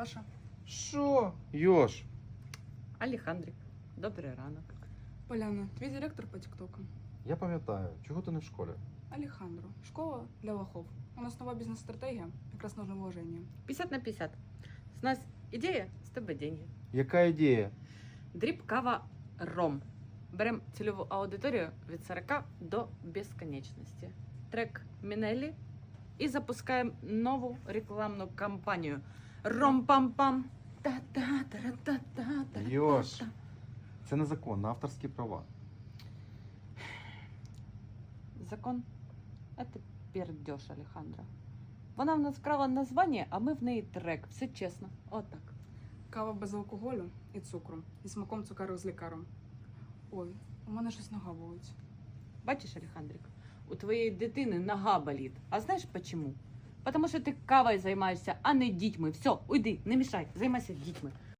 Паша. Що? Йош? Алехандрик, добрий ранок. Поляна, твій директор по тіктоку. Я пам'ятаю, чого ти не в школі? Алехандро. Школа для лохов. У нас нова бізнес-стратегія, якраз нужно вложення. 50/50. З нас ідея, з тебе деньги. Яка ідея? Дріб, кава, ром. Беремо цільову аудиторію від 40 до безконечності. Трек Мінелі і запускаємо нову рекламну кампанію. Ром-пам-пам. Та-та-та-та-та-та. Йош, це незаконно, авторські права. Закон – це пердеж, Алехандро. Вона в нас вкрала названня, а ми в неї трек. Все чесно. Отак. Кава без алкоголю і цукру. І смаком цукерок з лікаром. Ой, у мене щось нога болить. Бачиш, Алехандрик, у твоєї дитини нога болить. А знаєш чому? Тому що ти кавою займаєшся, а не дітьми. Все, уйди, не мішай, займайся дітьми.